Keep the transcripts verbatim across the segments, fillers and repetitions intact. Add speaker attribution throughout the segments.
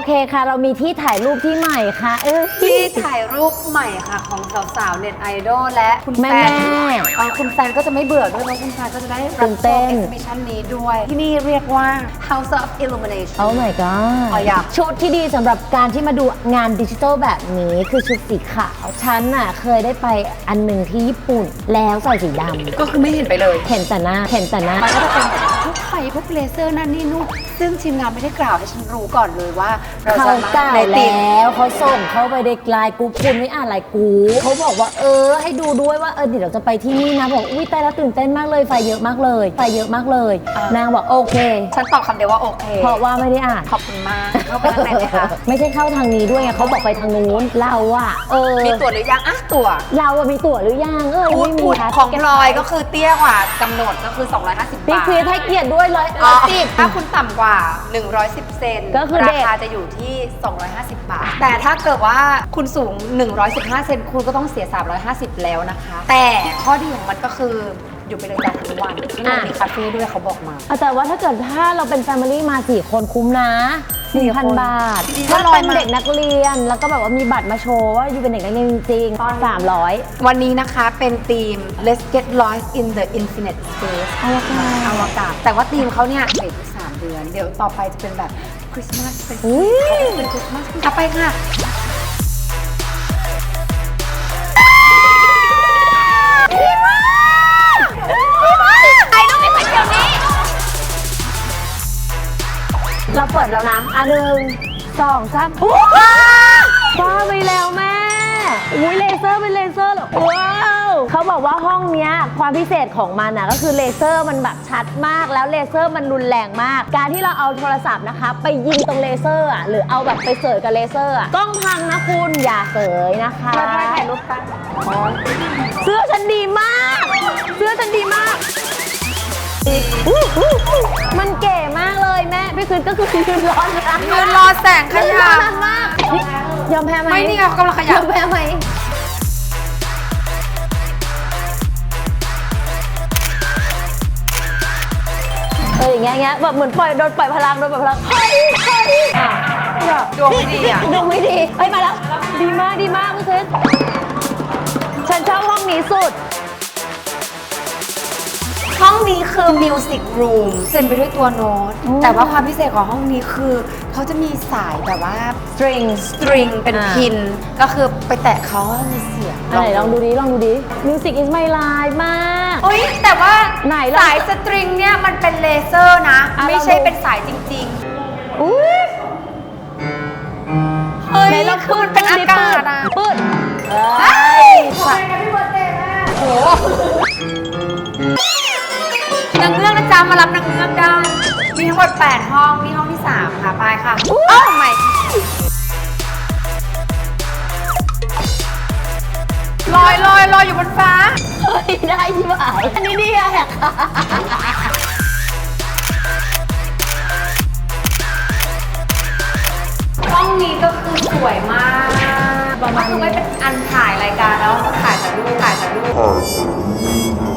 Speaker 1: เคค่ะเรามีที่ถ่ายรูปที่ใหม่ค่ะเออ
Speaker 2: ที่ถ่ายรูปใหม่ค่ะของสาวๆเน็ตไอดอลและคุณแฟ
Speaker 1: แม่
Speaker 2: น
Speaker 1: แม่
Speaker 2: เออคุณแฟนก็จะไม่เบื่อด้วยเพราะคุณแฟนก็จะได้
Speaker 1: ตื่
Speaker 2: รับ
Speaker 1: น
Speaker 2: ช
Speaker 1: เต้
Speaker 2: ม
Speaker 1: น
Speaker 2: เอ็กซิบิชันนี้ด้วย ที่นี่เรียกว่า House of Illumination
Speaker 1: โอ้ my god
Speaker 2: อ๋ออยาก
Speaker 1: ชุดที่ดีสำหรับการที่มาดูงานดิจิทัลแบบนี้คือชุดสีขาวฉันน่ะเคยได้ไปอันหนึ่งที่ญี่ปุ่นแล้วใส่สีดำ
Speaker 2: ก็คือไม่เห็นไปเลย
Speaker 1: เห็นแต่หน้าเห็นแต่หน้า
Speaker 2: มันก็จะเป็นพวกไฟพวกเลเซอร์นั่นนี่นู่นซึ่งทีมงานไม่ได้กล่าวให้ฉันรู้ก่อนเลยว่าเรา
Speaker 1: เขา
Speaker 2: จะมา
Speaker 1: ก่าว
Speaker 2: ในทีม
Speaker 1: แล้วเขาส่งเข้าไปในไลน์กรุ๊ปคุณไม่อ่านไลน์กรุ๊ปเขาบอกว่าเออให้ดูด้วยว่าเออเดี๋ยวเราจะไปที่นี่นะบอกอุ้ยแต่ละตื่นเต้นมากเลยไฟเยอะมากเลยไฟเยอะมากเลย
Speaker 2: อ่าน
Speaker 1: นางบอกโอเค
Speaker 2: ฉันตอบคำเดียวว่าโอเค
Speaker 1: เพราะว่าไม่ได้อ่าน
Speaker 2: ขอบคุณมากเข้าไปข้างในไหมคะ
Speaker 1: ไม่ใช่เข้าทางนี้ด้วยไงเขาบอกไปทางนู้นเราอะเออ
Speaker 2: มีตั๋วหรือยังอ่ะตั๋ว
Speaker 1: เราอะมีตั๋วหรือยังเออ
Speaker 2: พูด
Speaker 1: ไม่มี
Speaker 2: พูด
Speaker 1: ค่ะ
Speaker 2: ของพลอยก็คือเตี้ยกว่ากำหนดก็คือสองร้อยห้าสิบ
Speaker 1: พี่
Speaker 2: บาท
Speaker 1: ควีนให้เกียรติด้วยร้อย
Speaker 2: อ๋
Speaker 1: ร้
Speaker 2: อ
Speaker 1: อยสิบ
Speaker 2: ถ้าคุณต่ำกว่าหนึ่งร้อยสิบเซน
Speaker 1: ก็คือ
Speaker 2: รา
Speaker 1: เด็ก
Speaker 2: คาจะอยู่ที่สองร้อยห้าสิบบาท แต่ถ้าเกิดว่าคุณสูงหนึ่งร้อยสิบห้าเซนคุณก็ต้องเสียสามร้อยห้าสิบแล้วนะคะ แต่ข้อดีของมันก็คืออยู่ไปเลยจ้าทั้งวันที่เรามีคาเฟ่ด้วยเขาบอกมา
Speaker 1: อ่ะแต่ว่าถ้าเกิดถ้าเราเป็นแฟมิลี่มาสี่คนคุ้มนะสี่พันบาท
Speaker 2: ดีๆก็
Speaker 1: ถ้า
Speaker 2: ลอ
Speaker 1: เป็
Speaker 2: ย
Speaker 1: น
Speaker 2: มา
Speaker 1: เด็กนักเรียน แล้วก็แบบว่ามีบัตรมาโชว์ว่าอยู่เป็นเด็กนักเรียนจริงๆสามร้อย
Speaker 2: วันนี้นะคะเป็นธีม Let's get lost in the infinite space
Speaker 1: อวกาศ
Speaker 2: อวกาศ แต่ว่าธีมเขาเนี่ยเด็กทุกสามเดือน เดี๋ยวต่อไปจะเป็นแบบคริสต์มาสเป็น
Speaker 1: อุ้ย
Speaker 2: เป็นคริสต์มาสเอาไปค่ะ
Speaker 1: เราเปิดแล้วนะอันหนึ่งสองสามว้าไปแล้วแม่อุ้ยเลเซอร์เป็นเลเซอร์เหรอว้าวเขาบอกว่าห้องเนี้ยความพิเศษของมันนะก็คือเลเซอร์มันแบบชัดมากแล้วเลเซอร์มันรุนแรงมาก การที่เราเอาโทรศัพท์นะคะไปยิงตรงเลเซอร์อ่ะหรือเอาแบบไปเสยกับเลเซอร์อ่ะกล้องพังนะคุณอย่าเสยนะคะ
Speaker 2: เราได้ถ่ายรูปกัน
Speaker 1: เสื้อฉันดีมาก เสื้อฉันดีมาก มันเก๋มากเลยแม่พี่คืนก็คือยืนร้อนนะ
Speaker 2: ยืนรอแสงข
Speaker 1: ยืน
Speaker 2: ยั
Speaker 1: ร้อบ นมากยอมแพ้ไหม
Speaker 2: ไม่นี่ไงเขากำลังขยั
Speaker 1: ย
Speaker 2: บ
Speaker 1: อมแพ้ไหมเอออย่างเงี้ยอย่างเงี้ยแบบเหมือนปล่อยโดนปล่อยพลังโดนปล่อยพลังเฮ้ยเฮ้ยอ่ะ
Speaker 2: ดวงไม่ดีอ่ะ
Speaker 1: ดูไม่ดีเฮ้ยมาแล้ว ดีมากดีมากพี่คืนฉันชอบห้องนี้สุด
Speaker 2: ห้องนี้คือ Music Room เต็มไปด้วยตัวโน้ต
Speaker 1: อืม
Speaker 2: แต่ว่าความพิเศษของห้องนี้คือ เขาจะมีสายแบบว่า
Speaker 1: string
Speaker 2: สตริงเป็น
Speaker 1: อ่า
Speaker 2: พิน ก็คือไปแตะเขาก็มีเสียง
Speaker 1: ไหนลองดูดิลองดูดิ Music is my life มาก
Speaker 2: อุ้ยแต่ว่า
Speaker 1: ไหนลอง
Speaker 2: สายสตริงเนี่ยมันเป็นเลเซอร์นะ
Speaker 1: อ่ะ
Speaker 2: ไม่ใช่
Speaker 1: ลองดู
Speaker 2: เป็นสายจริง
Speaker 1: อุ้ย
Speaker 2: ๆ เฮ้ย
Speaker 1: ไหนลอง
Speaker 2: คือมันเป็นอากาศอะ
Speaker 1: ปืด
Speaker 2: เฮ้ยทำไมนะพี่เบิร์ดเดย์แม่โอ้นางเงือกนะจ๊ะมารับนางเงือกได้ มีทั้งหมดแปดห้องนี่ห้องที่สามค่ะ ไปค่ะเอ้าทำไมลอยลอยลอยอยู่บนฟ้า
Speaker 1: เฮ้ยได้ที่ไหมอันนี้ดีอะ
Speaker 2: ห้องนี้ก็คือสวยมากก็คือไม่เป็นอันถ่ายรายการแล้วถ่ายแต่รูปถ่ายแต่รูป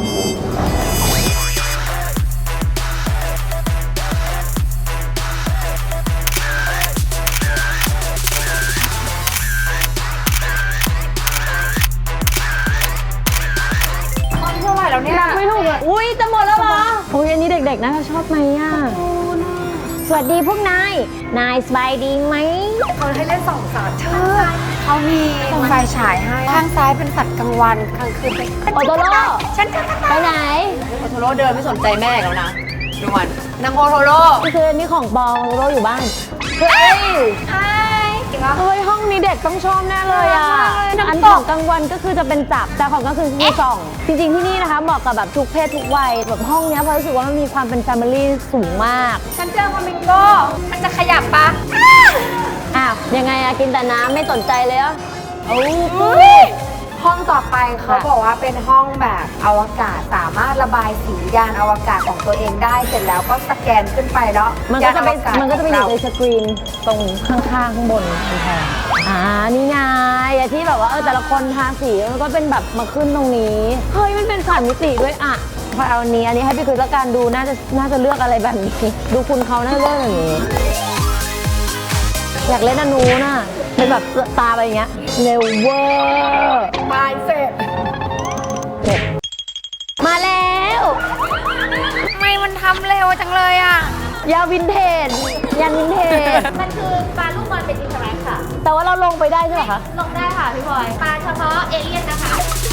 Speaker 2: ห้องที่เท่าไหร่แล้วเนี่ย
Speaker 1: ไม่ถูกอ่ะอุ้ยจะหมดแล้วเหรออุ้ยอันนี้เด็กๆน่าจะชอบไหมอ่ะ สวัสดีพวกนาย นายสบายดีไหม
Speaker 2: เขาให้เล่นสองสัตว์เธอเขามีไฟฉายให้ ข้างซ้ายเป็นสัตว์กลางวันกลางคืนเป็น
Speaker 1: โอโตโร่
Speaker 2: ฉันจะ
Speaker 1: ไปไหน
Speaker 2: โอโทโร่เดินไม่สนใจแม่แล้วนะดูมันนางโอโทโร่
Speaker 1: นี่คืออันนี้ของปองโอโตโร่อยู่บ้าน เฮ้ย
Speaker 2: ใช่จริงปะ
Speaker 1: เฮ้ยห้องนี้เด็กต้องชอบแน่เลยอ่ะ
Speaker 2: น่ารักมากเลย
Speaker 1: อัน
Speaker 2: น้ำต
Speaker 1: ข
Speaker 2: ก
Speaker 1: องกลางวันก็คือจะเป็นจับ แต่ของกลางคืนคือส่อง จริงๆที่นี่นะคะเหมาะกับแบบทุกเพศทุกวัย แบบห้องเนี้ยเพราะรู้สึกว่ามันมีความเป็นแฟมิลี่สูงมาก
Speaker 2: ฉันเจอฟลามิงโก้มันจะขยับปะ
Speaker 1: อ้าว ยังไงอะกินแต่น้ำไม่สนใจเลยอะโอ้
Speaker 2: ห้องต่อไปเขาบอกว่าเป็นห้องแบบอวกาศสามารถระบายสียานอวกาศของตัวเองได้เสร็จแล้วก็สแกนขึ้นไปแล้ว
Speaker 1: มันก็จะไป
Speaker 2: ยาอวาศ
Speaker 1: มันก็จะไปอยู่ใน
Speaker 2: ขง
Speaker 1: สกรีนตรงข้างๆข้างบนกำแพงอ่านี่ไงอะที่แบบว่าเออแต่ละคนทาสีมันก็เป็นแบบมาขึ้นตรงนี้ เฮ้ยมันเป็นสามมิติด้วยอะพอเอาอันนี้อันนี้ให้พี่คุยแล้วกันดูน่าจะน่าจะเลือกอะไรแบบนี้ ดูคุณเขาน่าจะเลือกอย่างนี้
Speaker 2: โ
Speaker 1: อยากเล่นอันนู้นน่ะเป็นแบบตาไปอย่างเงี้ยเร็วเวอร์
Speaker 2: บายเสร็จ
Speaker 1: เสร็จมาแล้ว
Speaker 2: ทำไมมันทำเร็วจังเลยอ่ะ
Speaker 1: ยาวินเทจยันวินเทจ
Speaker 3: มันคือปลาลูกบอลเป็นอินเทอร์แอคค่ะ
Speaker 1: แต่ว่าเราลงไปได้ใช่ไหมคะ
Speaker 3: ลงได้ค่ะพี่บอย ปลาเฉพาะเอเลี่ยนนะคะ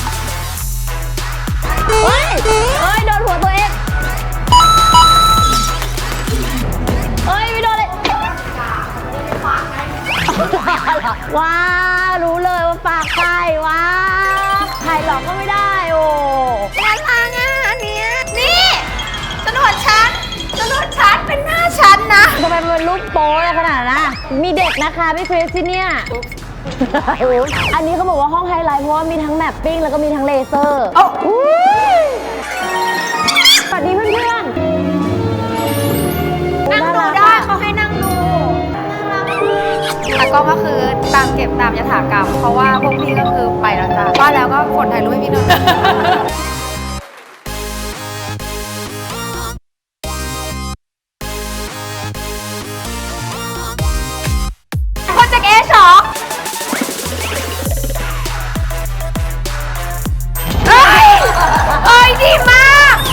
Speaker 1: เฮ้ยเฮ้ยโดนหัวตัวเองเฮ้ยไม่โดนเลยว้ารู้เลยว่าปากใครว้าใครหลอกก็ไม่ได้โอ้
Speaker 2: น่ารักอ่ะอันเนี้ยนี่จรวดฉันจรวดฉันเป็นหน้าฉันนะ
Speaker 1: ทำไมมันเป็นรูปโป๊อะไรขนาดนั้นอะมีเด็กนะคะพี่คริสที่เนี่ยอันนี้เขาบอกว่าห้องไฮไลท์เพราะว่ามีทั้งแมปปิ้งแล้วก็มีทั้งเลเซอร์
Speaker 2: โอ้
Speaker 1: อุ๊ยสวัสดีเพื่อน
Speaker 2: นั่ง
Speaker 1: ๆ
Speaker 2: ดู
Speaker 1: น่ารัก
Speaker 2: ได้
Speaker 1: อะ
Speaker 2: เขาให้นั่งดูแต่ก็ก็คือตามเก็บตามยถากรรม เพราะว่าพวกพี่ก็คือไปแล้วจ้ะว่าแล้วก็กดถ่ายรูปให้พี่หน่อยโปรเจกต์เอชอเฮ้ยเอ้ยดีมาก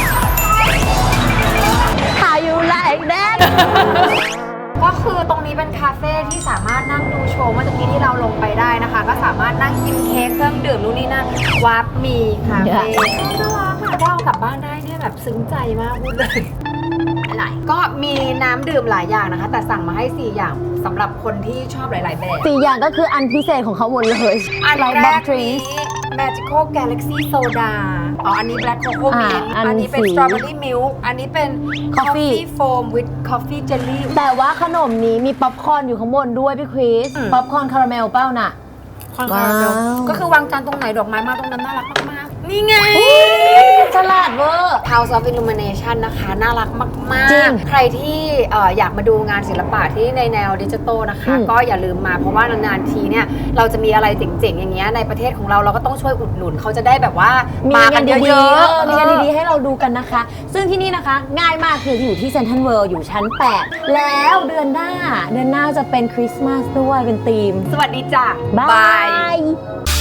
Speaker 1: How you like that
Speaker 2: ก็คือตรงนี้เป็นคาเฟ่ที่สามารถนั่งดูโชว์เมื่อตะกี้ที่เราลงไปได้นะคะ ก็สามารถนั่งกินเค้กเครื่องดื่มนู่นนี่นั่นวาร์ปมีคาเฟ่น่ารักค่ะถ้าเอากลับบ้านได้เนี่ยแบบซึ้งใจมากพูดเลยอะไรก็มีน้ำดื่มหลายอย่างนะคะ แต่สั่งมาให้สี่อย่างสำหรับคนที่ชอบหลาย ๆ แบบ
Speaker 1: สี่อย่างก็คืออันพิเศษของเขาหมดเลย
Speaker 2: อัน
Speaker 1: Like
Speaker 2: แร
Speaker 1: Bob
Speaker 2: ก
Speaker 1: Trees
Speaker 2: นี้ Magical Galaxy Soda อ๋ออันนี้ Black Cocoa
Speaker 1: อ่า
Speaker 2: Mint
Speaker 1: อัน
Speaker 2: อันนี้เป็น
Speaker 1: สี
Speaker 2: Strawberry Milk อันนี้เป็น
Speaker 1: Coffee
Speaker 2: Coffee Foam with Coffee Jelly
Speaker 1: แต่ว่าขนมนี้มีป๊อปคอร์นอยู่ข้างบนด้วยพี่คริส
Speaker 2: อืม
Speaker 1: ป๊อปคอร์นคาราเมลเป้าน่ะ
Speaker 2: คอนคาราเมล
Speaker 1: ว้าว
Speaker 2: ก็คือวางจานตรงไหนดอกไม้มาตรงนั้นน่ารักมากๆ นี่ไง
Speaker 1: ฉลาดเวอร์
Speaker 2: House of Illumination นะคะ น่ารักมาก
Speaker 1: จริง
Speaker 2: ๆ ใครที่เอ่ออยากมาดูงานศิลปะที่ในแนวดิจิทัลนะคะ
Speaker 1: อืม
Speaker 2: ก็อย่าลืมมาเพราะว่านานๆทีเนี่ย เราจะมีอะไรเจ๋งๆ อย่างเงี้ยในประเทศของเราเราก็ต้องช่วยอุดหนุนเขาจะได้แบบว่า
Speaker 1: มี
Speaker 2: มาง
Speaker 1: า
Speaker 2: กัน น
Speaker 1: ดี
Speaker 2: เย
Speaker 1: ๆ
Speaker 2: อะ
Speaker 1: เออ
Speaker 2: ๆ
Speaker 1: มีงานดีๆให้เราดูกันนะคะ ซึ่งที่นี่นะคะ ง่ายมากคืออยู่ที่เซ็นทรัลเวิลด์อยู่ชั้น แปด แล้วเดือนหน้า เดือนหน้าจะเป็นคริสต์มาสด้วยเป็นธีม
Speaker 2: สวัสดีจ้ะ
Speaker 1: บาย